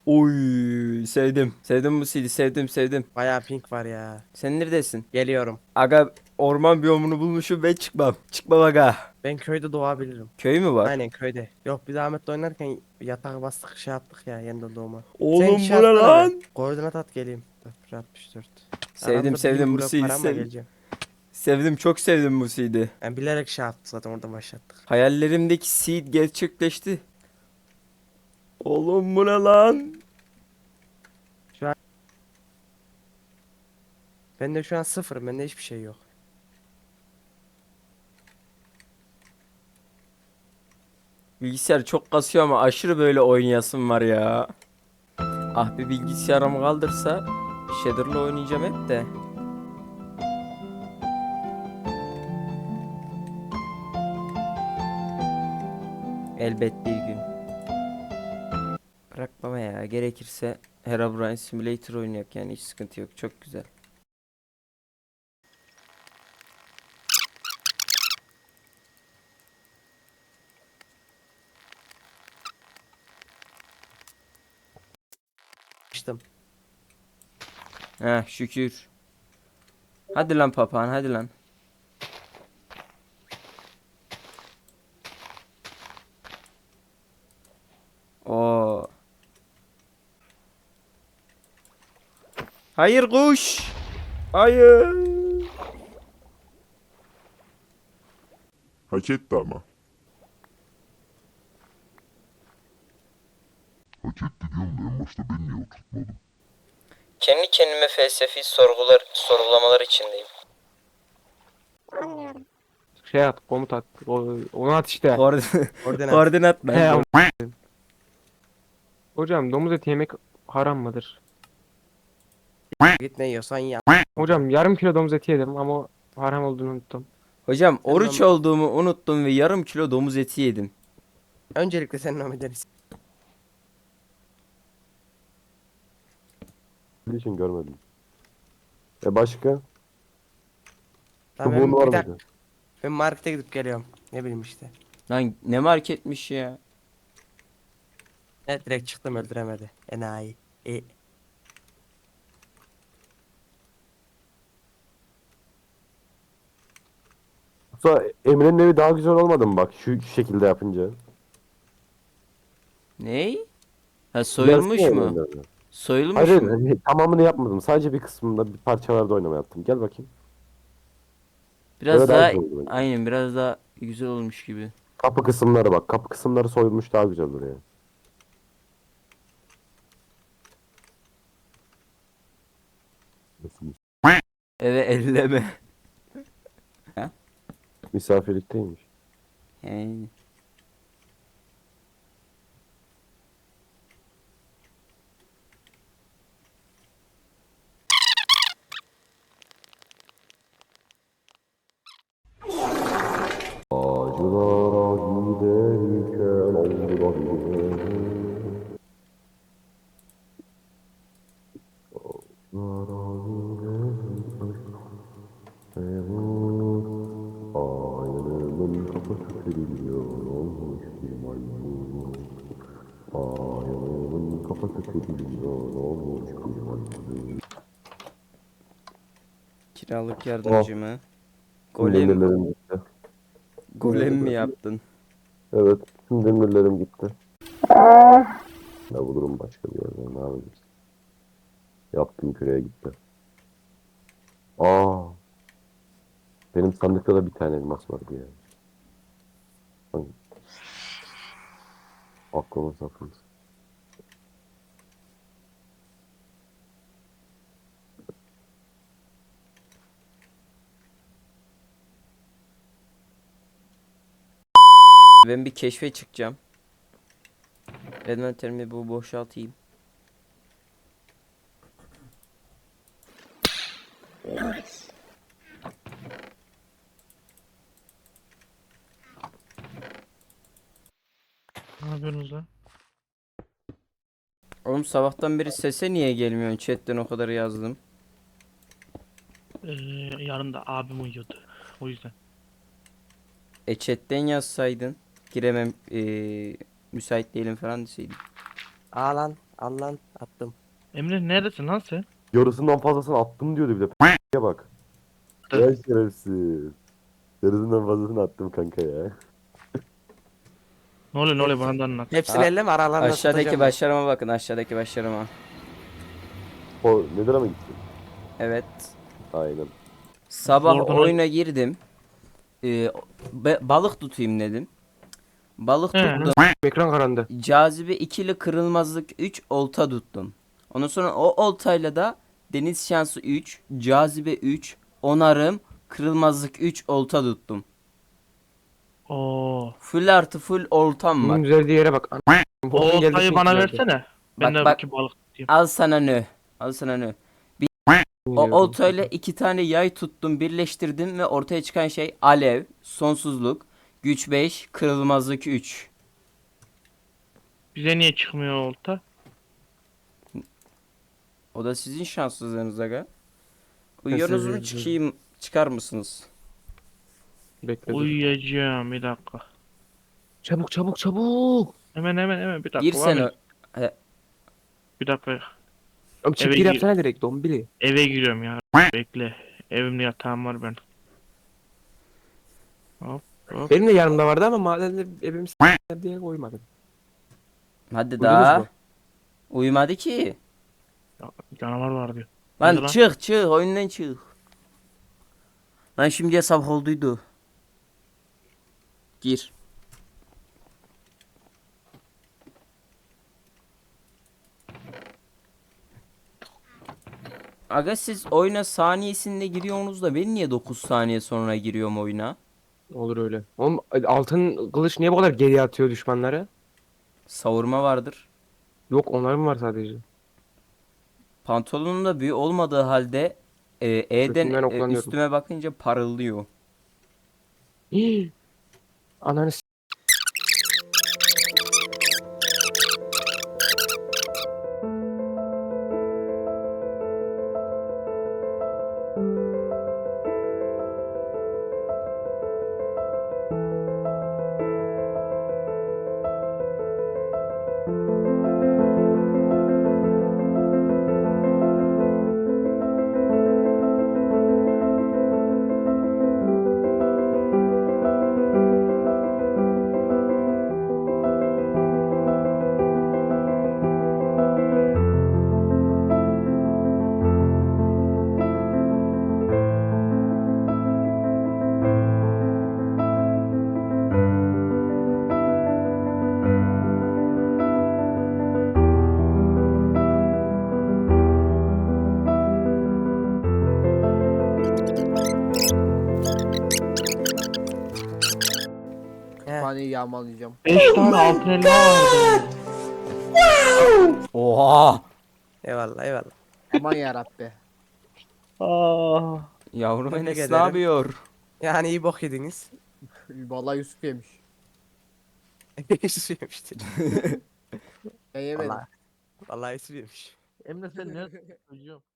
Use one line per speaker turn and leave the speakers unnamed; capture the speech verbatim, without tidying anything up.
Oy sevdim. Sevdim bu C D, sevdim sevdim.
Bayağı pink var ya.
Sen neredesin?
Geliyorum.
Aga orman biyomunu bulmuşum ve çıkmam. Çıkmam aga.
Ben köyde doğabilirim.
Köy mü var?
Aynen köyde. Yok biz Ahmet'le oynarken yatağa bastık şey yaptık ya yeniden doğma. Sen
Oğlum
şey
bu ne
atsana be.
lan?
Koordinat at geleyim. sıfır altmış dört.
Sevdim
Aramda bin
sevdim bu
blok
C D,
var ama
sevdim.
geleceğim.
Sevdim, çok sevdim bu C D.
Ben bilerek şey yaptık zaten orada başlattık.
Hayallerimdeki seed gerçekleşti. Oğlum bu ne lan?
Şu an bende şu an sıfır. Bende hiçbir şey yok.
Bilgisayar çok kasıyor ama aşırı böyle oynayasım var ya. Ah bir bilgisayarımı kaldırsa Shader'la oynayacağım hep de. Elbet bir gün. Bırak baba ya, gerekirse Herobrine Simulator oynayak, yani hiç sıkıntı yok, çok güzel.
Açtım.
Heh şükür. Hadi lan papağan, hadi lan. Oo. Hayır kuş. Hayır.
Hak etti ama. Hak etti diyorum da en başta ben niye oturtmadım?
Kendi kendime felsefi sorgular, sorgulamalar içindeyim.
Şey at, komut at. O, onu at işte.
Koordinat,
Koordinat.
koordinat
He,
lan.
am- Hocam domuz eti yemek haram mıdır?
Git ne yiyorsan yap.
Hocam yarım kilo domuz eti yedim ama haram olduğunu unuttum.
Hocam
Sen
oruç
nom-
olduğumu unuttum ve yarım kilo domuz eti yedim.
Öncelikle sen nom ederiz.
Bildiği için görmedim. E başka?
Tamam
Çubuğun
ben
var
bir dakika.
mıydı?
Ben markete gidip geliyorum. Ne bileyim işte.
Lan ne marketmiş ya.
Evet direkt çıktım öldüremedi. Enayi. E,
Yoksa Emre'nin evi daha güzel olmadı mı bak şu şekilde yapınca?
Ney? Ha
Gelsene
soyulmuş mu?
Emre'nin evine. Hayır
Soyulmuş
hayır
mu?
hani tamamını yapmadım. Sadece bir kısmında bir parçalarda oynama yaptım. Gel bakayım.
Biraz
Böyle daha
daha
güzel oldu bence.
aynen, biraz daha güzel olmuş gibi.
Kapı kısımları bak. Kapı kısımları soyulmuş daha güzel duruyor. Nasıl?
Eve elleme. Ha?
Misafirlikteymiş.
Yani.
Acılara giderken oldu da Ayağımın kafası kırılıyor olmuş bir maymun. Ayağımın kafası kırılıyor olmuş bir maymun.
Kiralık
Oh,
yardımcı mı?
tüm
Golem,
demirlerim gitti.
golem mi yaptın?
Evet, tüm demirlerim gitti. Ne bulurum başka bir yerden, ne yapacağız? Yaptım küreye gitti. Aa, benim sandıkta da bir tane elmas vardı ya. Hangi? Aklıma saklı.
Ben bir keşfe çıkacağım. Envanterimi bu boşaltayım.
Ne yapıyorsunuz lan?
Oğlum sabahtan beri sese niye gelmiyorsun? Chatten o kadar yazdım.
Ee, Yarın abim uyuyordu. O yüzden.
E chatten yazsaydın. Giremem, eee, müsait değilim falan deseydin.
Aa lan. Al lan attım.
Emre neredesin lan sen?
Yarısından fazlasını attım diyordu bir de. P***ye bak.
Dur.
Ya şerefsiz. Yarısından fazlasını attım kanka ya.
Ne oluyor ne oluyor bana da anlat.
Hepsini
Ha,
elleme aralarına
Aşağıdaki
tutacağım ben.
başarıma bakın, aşağıdaki başarıma.
O nedir ama gitti?
Evet.
Aynen.
Sabah
Oradan-
oyuna girdim. Ee, be- balık tutayım dedim. Balık
He.
tuttum.
Ekran karandı.
Cazibe ikili, kırılmazlık üç, olta tuttum. Ondan sonra o oltayla da deniz şansı üç, cazibe üç, onarım, kırılmazlık üç, olta tuttum.
Oo.
Full artı full oltam
Bunun
var.
düzeldiği yere bak. An-
O
Bokun geldi
oltayı
şimdi
bana
geldi.
versene. Ben
Bak,
de
bak.
bakayım balık tutayım.
Al sana nö. Al sana nö. O oltayla iki tane yay tuttum, birleştirdim ve ortaya çıkan şey alev, sonsuzluk, güç beş, kırılmazlık üç.
Bize niye çıkmıyor o olta?
O da sizin şanssızlığınız aga. Uyuyorsunuz mu,
Nasıl-
çıkayım, çıkar mısınız?
Bekle dur.
Uyuyacağım bir dakika.
Çabuk çabuk çabuk.
Hemen hemen hemen bir dakika.
Gir
var
sen
mı?
o. He,
Bir dakika.
Oğlum çık
Eve
gir
gir.
yapsana direkt dombili.
Eve giriyorum ya. Bekle. Evimde yatağım var ben. Hop hop.
Benim de yanımda vardı ama madende evim s**ler diye koymadım.
hadi
Uyudunuz
daha.
mu?
Uyumadı ki.
Ya, canavar var diyor.
Lan
Nerede lan?
çık çık, oyundan çık. Lan şimdiye sabah olduydu. Gir. Aga siz oyuna saniyesinde giriyorsunuz da ben niye dokuz saniye sonra giriyorum oyuna?
Olur öyle. Oğlum altın kılıç niye bu kadar geriye atıyor düşmanları?
Savurma vardır.
Yok onların mı var sadece?
Pantolonun da büyü olmadığı halde e, E'den
Götümden
e,
oklanıyorum.
üstüme bakınca parıldıyor.
Hii. Ananı s**.
Kütüphaneyi yağmalayacağım.
beş tane altın elma vardı.
Oha!
Eyvallah eyvallah.
Aman yarabbi.
Aa.
Yavrum
Tebrik
Enes ne
ederim.
yapıyor?
Yani iyi bok yediniz.
Vallahi Yusuf yemiş.
Yusuf yemiştir.
Ben yemedim.
Vallahi. Vallahi Yusuf yemiş.
Emre sen ne? Çocuğum.